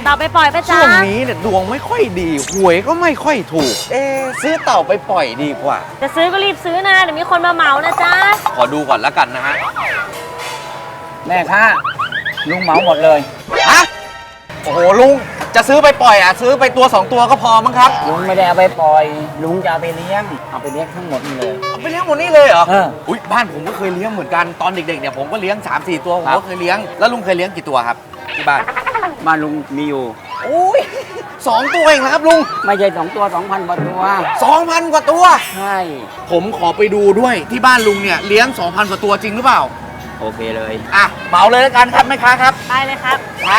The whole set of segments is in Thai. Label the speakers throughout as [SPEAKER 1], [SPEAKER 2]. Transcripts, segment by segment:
[SPEAKER 1] ต่าไปปล่อยไปจ้า
[SPEAKER 2] ช่วงนี้เนี่ยดวงไม่ค่อยดีหวยก็ไม่ค่อยถูกซื้อเต่าไปปล่อยดีกว่า
[SPEAKER 1] จะซื้อก็รีบซื้อนะเดี๋ยวมีคนมาเหมานะจ๊ะ
[SPEAKER 2] ขอดูก่อนแล้วกันนะฮะ
[SPEAKER 3] แม่ค้าลุงเหมาหมดเลย
[SPEAKER 2] ฮะโอ้โหลุงจะซื้อไปปล่อยซื้อไปตัว2ตัวก็พอมั้งครับ
[SPEAKER 3] ลุงไม่ได้เอาไปปล่อยลุงจะเอาไปเลี้ยงทั้งหมดนี่เลย
[SPEAKER 2] เอาไปเลี้ยงหมดนี่เลยเหรอ
[SPEAKER 3] อุ้ย
[SPEAKER 2] บ้านผมก็เคยเลี้ยงเหมือนกันตอนเด็กๆเนี่ยผมก็เลี้ยง 3-4 ตัวผมก็เคยเลี้ยงแล้วลุงเคยเลี้ยงกี่ตัวครับที่บ้าน
[SPEAKER 3] ลุงมีอยู่
[SPEAKER 2] อุ้ย2 ตัวเองนะครับลุง
[SPEAKER 3] ไม่ใช่2 ตัว 2,000 กว่าตัว
[SPEAKER 2] 2,000 กว่าตัว
[SPEAKER 3] ใช่
[SPEAKER 2] ผมขอไปดูด้วยที่บ้านลุงเนี่ยเลี้ยง 2,000 กว่าตัวจริงหรือเปล่า
[SPEAKER 3] โอเคเลย
[SPEAKER 2] เหมาเลยแล้วกันครับแม่ค้าครับ
[SPEAKER 1] ไปเลยครับ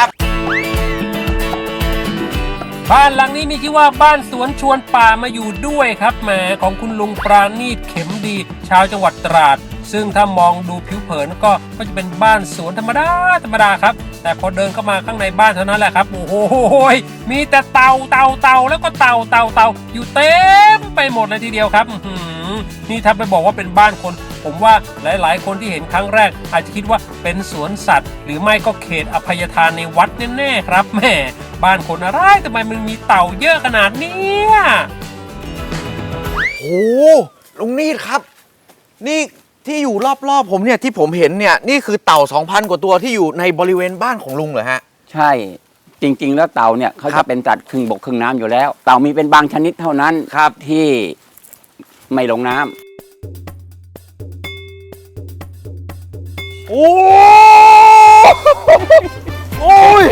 [SPEAKER 4] บ้านหลังนี้มีชื่อว่าบ้านสวนชวนป่ามาอยู่ด้วยครับแหมของคุณลุงปราณีตเข็มดีชาวจังหวัดตราดซึ่งถ้ามองดูผิวเผินก็จะเป็นบ้านสวนธรรมดาครับแต่พอเดินเข้ามาข้างในบ้านเท่านั้นแหละครับโอ้โหมีแต่เต่าแล้วก็เต่าอยู่เต็มไปหมดเลยทีเดียวครับนี่ถ้าไปบอกว่าเป็นบ้านคนผมว่าหลายๆคนที่เห็นครั้งแรกอาจจะคิดว่าเป็นสวนสัตว์หรือไม่ก็เขตอภัยทานในวัดแน่ๆครับแม่บ้านคนอะไรทำไมมันมีเต่าเยอะขนาดนี้
[SPEAKER 2] โอ้ลุงนีดครับนี่ที่อยู่รอบๆผมเนี่ยที่ผมเห็นเนี่ยนี่คือเต่า 2,000 กว่าตัวที่อยู่ในบริเวณบ้านของลุงเหรอฮะ
[SPEAKER 3] ใช่จริงๆแล้วเต่าเนี่ยเขาจะเป็นสัตว์ครึ่งบกครึ่งน้ำอยู่แล้วเต่ามีเป็นบางชนิดเท่านั้นครับที่ไม่ลงน้ำ
[SPEAKER 2] โอ้ย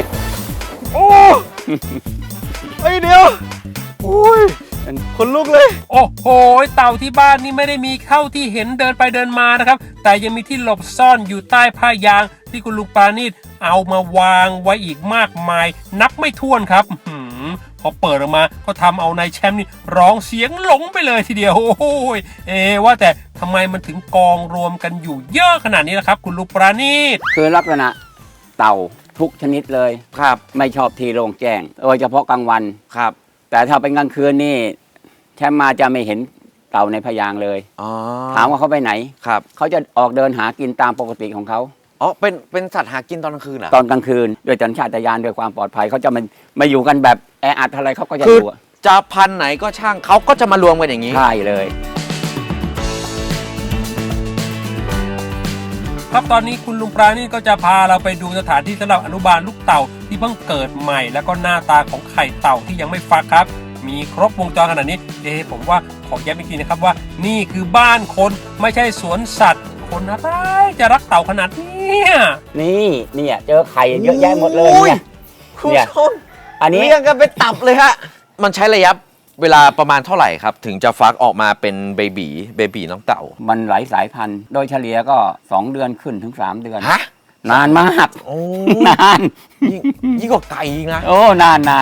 [SPEAKER 2] เฮ้ยเดี๋ยวโอ้ยคนลุกเลย
[SPEAKER 4] โอ้โหเต่าที่บ้านนี่ไม่ได้มีเข้าที่เห็นเดินไปเดินมานะครับแต่ยังมีที่หลบซ่อนอยู่ใต้ผ้ายางที่คุณลุงปราณีตเอามาวางไว้อีกมากมายนับไม่ถ้วนครับพอเปิดออกมาก็ทำเอานายแชมป์นี่ร้องเสียงหลงไปเลยทีเดียวโอ้ยว่าแต่ทำไมมันถึงกองรวมกันอยู่เยอะขนาดนี้ล่ะครับคุณลุงปราณีต
[SPEAKER 3] คือลักษณะเต่าทุกชนิดเลย
[SPEAKER 2] ครับ
[SPEAKER 3] ไม่ชอบที่โล่งแจ้งโดยเฉพาะกลางวัน
[SPEAKER 2] ครับ
[SPEAKER 3] แต่ถ้าเป็นกลางคืนนี่แชมป์มาจะไม่เห็นเต่าในพยางเลยถามว่าเขาไปไหน
[SPEAKER 2] ครับ
[SPEAKER 3] เขาจะออกเดินหากินตามปกติของเขา
[SPEAKER 2] เป็นสัตว์หากินตอนกลางคืนเหรอ
[SPEAKER 3] ตอนกลางคืนโดยสัญชาตญาณโดยความปลอดภัยเขาจะมาอยู่กันแบบแออัดอะไรเขาก็จะอยู่
[SPEAKER 2] จะพันไหนก็ช่างเขาก็จะมารวมกันอย่างนี้
[SPEAKER 3] ใช่เลย
[SPEAKER 4] ครับตอนนี้คุณลุงปราณีตก็จะพาเราไปดูสถานที่สำหรับอนุบาลลูกเต่าที่เพิ่งเกิดใหม่แล้วก็หน้าตาของไข่เต่าที่ยังไม่ฟักครับมีครบวงจรขนาดนี้ผมว่าขอย้ำอีกทีนะครับว่านี่คือบ้านคนไม่ใช่สวนสัตว์คนอะไรจะรักเต่าขนาดนี้
[SPEAKER 3] นี่เจอไข่เยอะแยะหมดเลยเนี่ย
[SPEAKER 2] คุณผู้ชมอันนี้เรียงกันไปตับเลยฮะมันใช้ระยะเวลาประมาณเท่าไหร่ครับถึงจะฟักออกมาเป็นเบบีน้องเต่า
[SPEAKER 3] มันหลายสายพันธุ์โดยเฉลี่ยก็2 เดือนขึ้นถึง3 เดือน
[SPEAKER 2] ฮะ
[SPEAKER 3] นานมากนาน
[SPEAKER 2] ยิ่งกว่าไก่อีกนะ
[SPEAKER 3] นาน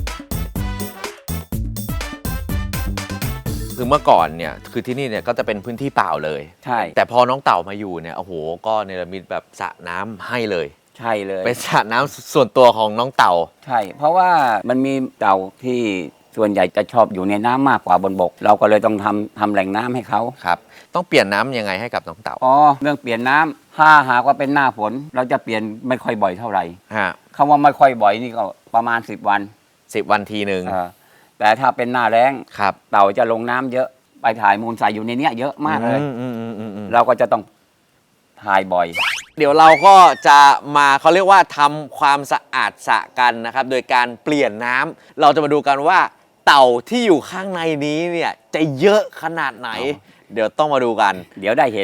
[SPEAKER 2] คือเมื่อก่อนเนี่ยคือที่นี่เนี่ยก็จะเป็นพื้นที่เปล่าเลย
[SPEAKER 3] ใช่
[SPEAKER 2] แต่พอน้องเต่ามาอยู่เนี่ยโอ้โหก็เนรมิตแบบสระน้ำให้เลย
[SPEAKER 3] ใช่เลย
[SPEAKER 2] เป็นสระน้ำส่วนตัวของน้องเต่า
[SPEAKER 3] ใช่เพราะว่ามันมีเต่าที่ส่วนใหญ่จะชอบอยู่ในน้ำมากกว่าบนบกเราก็เลยต้องทำแหล่งน้ำให้เขา
[SPEAKER 2] ครับต้องเปลี่ยนน้ำยังไงให้กับน้องเต่า
[SPEAKER 3] เรื่องเปลี่ยนน้ำถ้าหากว่าเป็นหน้าฝนเราจะเปลี่ยนไม่ค่อยบ่อยเท่าไหร่คำว่าไม่ค่อยบ่อยนี่ก็ประมาณ10 วัน
[SPEAKER 2] ทีนึง
[SPEAKER 3] แต่ถ้าเป็นหน้าแล้ง
[SPEAKER 2] ครับ
[SPEAKER 3] เต่าจะลงน้ำเยอะไปถ่ายมูลใส่อยู่ในนี้เยอะมากเลยเราก็จะต้องถ่ายบ่อย
[SPEAKER 2] เดี๋ยวเราก็จะมาเขาเรียกว่าทำความสะอาดสระกันนะครับโดยการเปลี่ยนน้ำเราจะมาดูกันว่าเต่าที่อยู่ข้างในนี้เนี่ยจะเยอะขนาดไหนเดี๋ยวต้องมาดูกัน
[SPEAKER 3] เดี๋ยวได้เห็น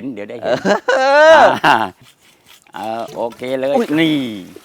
[SPEAKER 3] โอเคเลยนี่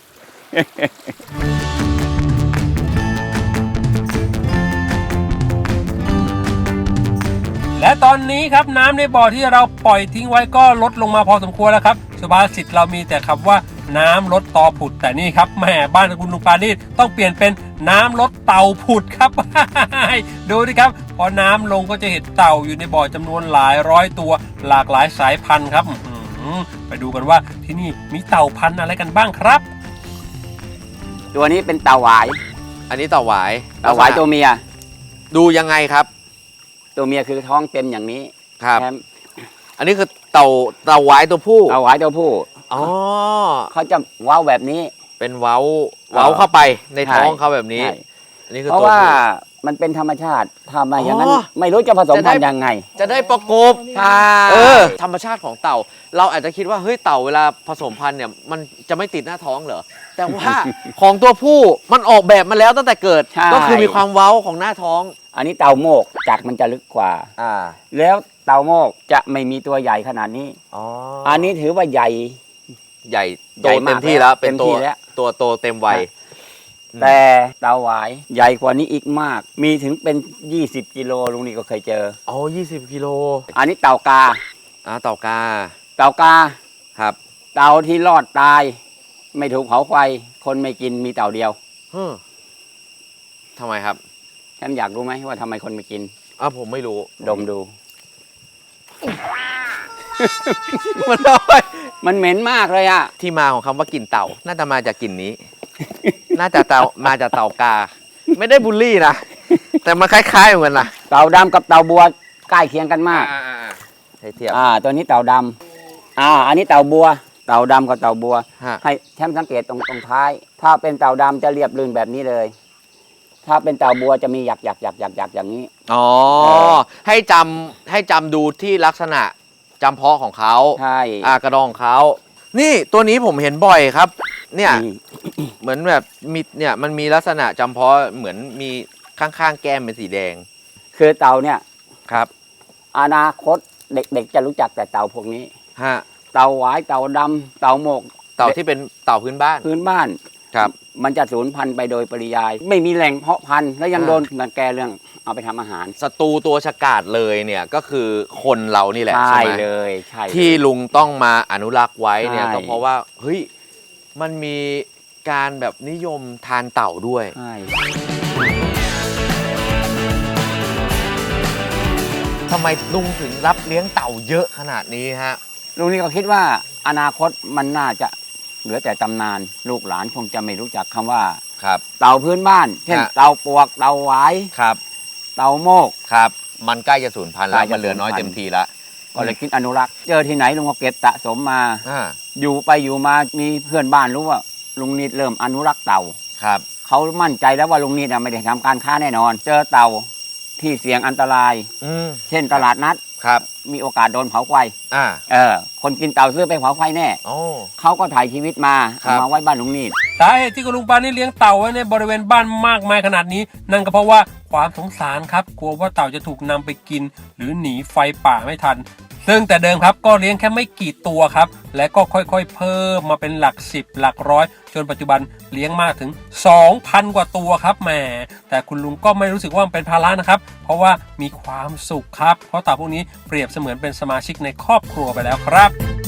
[SPEAKER 4] และตอนนี้ครับน้ำในบ่อที่เราปล่อยทิ้งไว้ก็ลดลงมาพอสมควรแล้วครับสุภาษิตเรามีแต่คำว่าน้ำลดตอผุดแต่นี่ครับแม่บ้านคุณลุงปราณีตต้องเปลี่ยนเป็นน้ำลดเต่าผุดครับ ดูดิครับพอน้ำลงก็จะเห็นเต่าอยู่ในบ่อจำนวนหลายร้อยตัวหลากหลายสายพันธุ์ครับไปดูกันว่าที่นี่มีเต่าพันธุ์อะไรกันบ้างครับ
[SPEAKER 3] ตัวนี้เป็นเต่าหวาย
[SPEAKER 2] อันนี้เต่าหวาย
[SPEAKER 3] ตัวเมีย
[SPEAKER 2] ดูยังไงครับ
[SPEAKER 3] ตัวเมียคือท้องเต็มอย่างนี้
[SPEAKER 2] ครับอันนี้คือเต่าหวายตัวผู้
[SPEAKER 3] เขาจะว้าวแบบนี้
[SPEAKER 2] เป็นเว้าเข้าไปในท้องเขาแบบนี้
[SPEAKER 3] ใช่
[SPEAKER 2] อันนี้คือ
[SPEAKER 3] เพราะ
[SPEAKER 2] ตัว
[SPEAKER 3] ว่า
[SPEAKER 2] ผู้
[SPEAKER 3] มันเป็นธรรมชาติทำมาอย่างนั้น
[SPEAKER 2] อ๋อ
[SPEAKER 3] ไม่รู้จะผสม
[SPEAKER 2] จะได้
[SPEAKER 3] พันธุ์ยังไง
[SPEAKER 2] จะได้ประกบ
[SPEAKER 3] ใช่
[SPEAKER 2] ธรรมชาติของเต่า เราอาจจะคิดว่าเฮ้ยเต่าเวลาผสมพันธุ์เนี่ยมันจะไม่ติดหน้าท้องเหรอแต่ว่า ของตัวผู้มันออกแบบมาแล้วตั้งแต่เกิด
[SPEAKER 3] ใช่
[SPEAKER 2] ก็คือมีความเว้าของหน้าท้อง
[SPEAKER 3] อันนี้เต่าโมกจักรมันจะลึกกว่า แล้วเต่าโมกจะไม่มีตัวใหญ่ขนาดนี้ อันนี้ถือว่าใหญ่
[SPEAKER 2] ใหญ่โต
[SPEAKER 3] ใหญ่มาก
[SPEAKER 2] เต็มที่แล้วเป็น
[SPEAKER 3] เต็มที่แล้ว
[SPEAKER 2] ตัวโตเต็มวัย
[SPEAKER 3] แต่เต่าหวายใหญ่กว่านี้อีกมาก มีถึงเป็น 20 กิโลลุงนี่ก็เคยเจอ
[SPEAKER 2] อ๋อ20 กิโล
[SPEAKER 3] อันนี้เต่ากา
[SPEAKER 2] เต่ากา
[SPEAKER 3] เต่ากา
[SPEAKER 2] ครับ
[SPEAKER 3] เต่าที่รอดตาย ไม่ถูกเผาไฟ คนไม่กินมีเต่าเดียว
[SPEAKER 2] ทำไมครับ
[SPEAKER 3] ฉันอยากรู้ไหมว่าทำไมคนไม่กิน
[SPEAKER 2] ผมไม่รู้
[SPEAKER 3] ดมดู
[SPEAKER 2] มันเอาไป
[SPEAKER 3] มันเหม็นมากเลยอะ
[SPEAKER 2] ที่มาของคำว่ากลิ่นเต่า น่าจะมาจากกลิ่นนี้ น่าจะมาจากเต่ากา ไม่ได้บูลลี่นะ แต่มันคล้ายๆเหมือนกันนะ
[SPEAKER 3] เต่าดำกับเต่าบัวใกล้เคียงกันมาก
[SPEAKER 2] ให้เทียบ
[SPEAKER 3] ตัวนี้เต่าดำอันนี้เต่าบัว เต่าดำกับเต่าบัว
[SPEAKER 2] ฮะ
[SPEAKER 3] ให้แชมป์สังเกตตรงท้าย ถ้าเป็นเต่าดำจะเรียบลื่นแบบนี้เลย ถ้าเป็นเต่าบัวจะมีหยักอย่างนี้
[SPEAKER 2] อ๋อ ให้จำดูที่ลักษณะจำเพาะของเขา
[SPEAKER 3] ใช่
[SPEAKER 2] กระดองของเขา นี่ตัวนี้ผมเห็นบ่อยครับ เนี่ย
[SPEAKER 3] นี่
[SPEAKER 2] เหมือนแบบมีเนี่ยมันมีลักษณะจำเพาะเหมือนมีข้างๆแก้มเป็นสีแดง
[SPEAKER 3] คือเต่าเนี่ย
[SPEAKER 2] ครับ
[SPEAKER 3] อนาคตเด็กๆจะรู้จักแต่เต่าพวกนี้
[SPEAKER 2] ฮะ
[SPEAKER 3] เต่าหวายเต่าดำเต่าโมก
[SPEAKER 2] เต่าที่เป็นเต่าพื้นบ้าน
[SPEAKER 3] พื้นบ้าน
[SPEAKER 2] ครับ
[SPEAKER 3] มันจะสูญพันธุ์ไปโดยปริยาย ไม่มีแหล่งเพาะพันธุ์แล้วยังโดนรังแกเรื่องเอาไปทำอาหาร
[SPEAKER 2] ศัตรูตัวฉกาจเลยเนี่ยก็คือคนเรานี่แหละ
[SPEAKER 3] ใช่
[SPEAKER 2] ใช่ไหม
[SPEAKER 3] เลยใช่เลย
[SPEAKER 2] ที่ลุงต้องมาอนุรักษ์ไว้เนี่ย
[SPEAKER 3] ใช่
[SPEAKER 2] ก็เพราะว่าเฮ้ยมันมีการแบบนิยมทานเต่าด้วย
[SPEAKER 3] ใช่
[SPEAKER 2] ทำไมลุงถึงรับเลี้ยงเต่าเยอะขนาดนี้ฮะ
[SPEAKER 3] ลุงนี่ก็คิดว่าอนาคตมันน่าจะเหลือแต่ตำนาน ลูกหลานคงจะไม่รู้จักคำว่า
[SPEAKER 2] ครับ
[SPEAKER 3] เต่าพื้นบ้าน เช่น
[SPEAKER 2] ฮะ
[SPEAKER 3] เต่าปวกเต่าหวาย
[SPEAKER 2] ครับ
[SPEAKER 3] เต่าโมก
[SPEAKER 2] ครับ มันใกล้จะสูญพันธุ์แล้
[SPEAKER 3] ใก
[SPEAKER 2] ว
[SPEAKER 3] ล้จะ
[SPEAKER 2] มันเหลือน้อย
[SPEAKER 3] สูญพันธุ์
[SPEAKER 2] เต็มทีแล้ว
[SPEAKER 3] ก็เลยคิดอนุรักษ์ เจอที่ไหนลุงก็เก็บสะสมมา
[SPEAKER 2] อ่า
[SPEAKER 3] อยู่ไปอยู่มามีเพื่อนบ้านรู้ว่าลุงนิดเริ่มอนุรักษ์เต่า
[SPEAKER 2] ครับ
[SPEAKER 3] เขามั่นใจแล้วว่าลุงนิดไม่ได้ทำการค้าแน่นอน เจอเต่าที่เสี่ยงอันตราย เช่นตลาดนัด
[SPEAKER 2] ครับ
[SPEAKER 3] มีโอกาสโดนเผาไฟ
[SPEAKER 2] อ่า
[SPEAKER 3] คนกินเต่าซื้อไปเผาไฟแน่
[SPEAKER 2] โอ้
[SPEAKER 3] เขาก็ถ่ายชีวิตมา
[SPEAKER 2] ครั
[SPEAKER 3] เอา
[SPEAKER 2] บ
[SPEAKER 3] มาไว้บ้านลุงนิด
[SPEAKER 4] สาเหตุที่คุณลุงปานี่เลี้ยงเต่าไว้ในบริเวณบ้านมากมายขนาดนี้ นั่นก็เพราะว่าความสงสารครับกลัวว่าเต่าจะถูกนำไปกิน หรือหนีไฟป่าไม่ทัน ซึ่งแต่เดิมครับก็เลี้ยงแค่ไม่กี่ตัวครับและก็ค่อยๆเพิ่มมาเป็นหลัก10หลักร้อยจนปัจจุบันเลี้ยงมากถึง 2,000 กว่าตัวครับแหมแต่คุณลุงก็ไม่รู้สึกว่ามันเป็นภาระนะครับเพราะว่ามีความสุขครับเพราะเต่าพวกนี้เปรียบเสมือนเป็นสมาชิกในครอบครัวไปแล้วครับ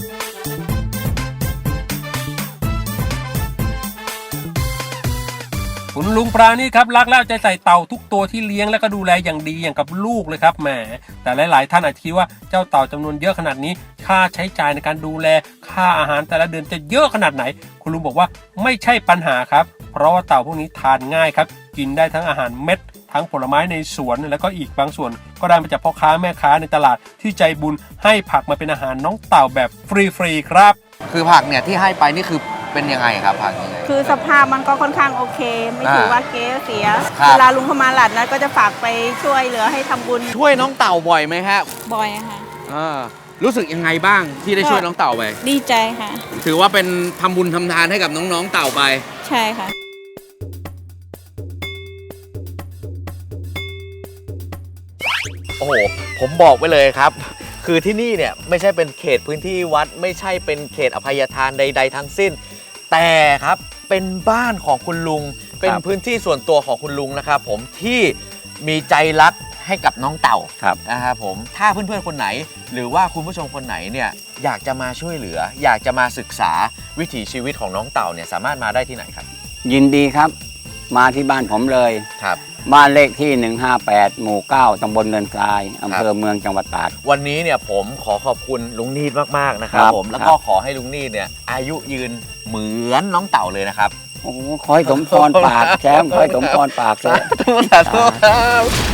[SPEAKER 4] คุณลุงปราณีครับรักและเอาใจใส่เต่าทุกตัวที่เลี้ยงและก็ดูแลอย่างดีอย่างกับลูกเลยครับแหมแต่หลายๆท่านอาจคิดว่าเจ้าเต่าจำนวนเยอะขนาดนี้ค่าใช้จ่ายในการดูแลค่าอาหารแต่ละเดือนจะเยอะขนาดไหนคุณลุงบอกว่าไม่ใช่ปัญหาครับเพราะว่าเต่าพวกนี้ทานง่ายครับกินได้ทั้งอาหารเม็ดทั้งผลไม้ในสวนแล้วก็อีกบางส่วนก็ได้มาจากพ่อค้าแม่ค้าในตลาดที่ใจบุญให้ผักมาเป็นอาหารน้องเต่าแบบฟรีๆครับ
[SPEAKER 2] คือผักเนี่ยที่ให้ไปนี่คือเป็นยังไงครับผักยังไง
[SPEAKER 5] คือสภาพมันก็ค่อนข้างโอเค ไม่ถือว่าเก๊เสีย
[SPEAKER 2] ครับ
[SPEAKER 5] เวลาลุงเข้ามาหลัดนะก็จะฝากไปช่วยเหลือให้ทำบุญ
[SPEAKER 2] ช่วยน้องเต่าบ่อยไหมฮะ
[SPEAKER 5] บ่อยอะค่ะ
[SPEAKER 2] รู้สึกยังไงบ้างที่ได้ช่วยน้องเต่าไป
[SPEAKER 5] ดีใจค่ะ
[SPEAKER 2] ถือว่าเป็นทำบุญทำทานให้กับน้องๆเต่าไป
[SPEAKER 5] ใช่ค่ะ
[SPEAKER 2] โอ้โห ผมบอกไปเลยครับ คือที่นี่เนี่ยไม่ใช่เป็นเขตพื้นที่วัด ไม่ใช่เป็นเขตอภัยทานใด ๆ ทั้งสิ้น แต่ครับเป็นบ้านของคุณลุง เป็นพื้นที่ส่วนตัวของคุณลุงนะครับผมที่มีใจรักให้กับน้องเต่า
[SPEAKER 3] ครับ
[SPEAKER 2] นะครับผมถ้าเพื่อนๆคนไหน หรือว่าคุณผู้ชมคนไหนเนี่ยอยากจะมาช่วยเหลือ อยากจะมาศึกษาวิถีชีวิตของน้องเต่าเนี่ยสามารถมาได้ที่ไหนครับ
[SPEAKER 3] ยินดีครับ มาที่บ้านผมเลย
[SPEAKER 2] ครับ
[SPEAKER 3] บ้านเลขที่ 158 หมู่ 9 ตำบลเนินทราย อำเภอเมืองจังหวัดตราด
[SPEAKER 2] วันนี้เนี่ยผมขอขอบคุณลุงนีดมากๆนะครับ
[SPEAKER 3] ครับ
[SPEAKER 2] ผมแล้วก็ขอให้ลุงนีดเนี่ยอายุยืนเหมือนน้องเต่าเลยนะครับ
[SPEAKER 3] โอ้โหขอให้สมพรปากแชมป์ขอให้สมพรปากเลย
[SPEAKER 2] สาธุครับ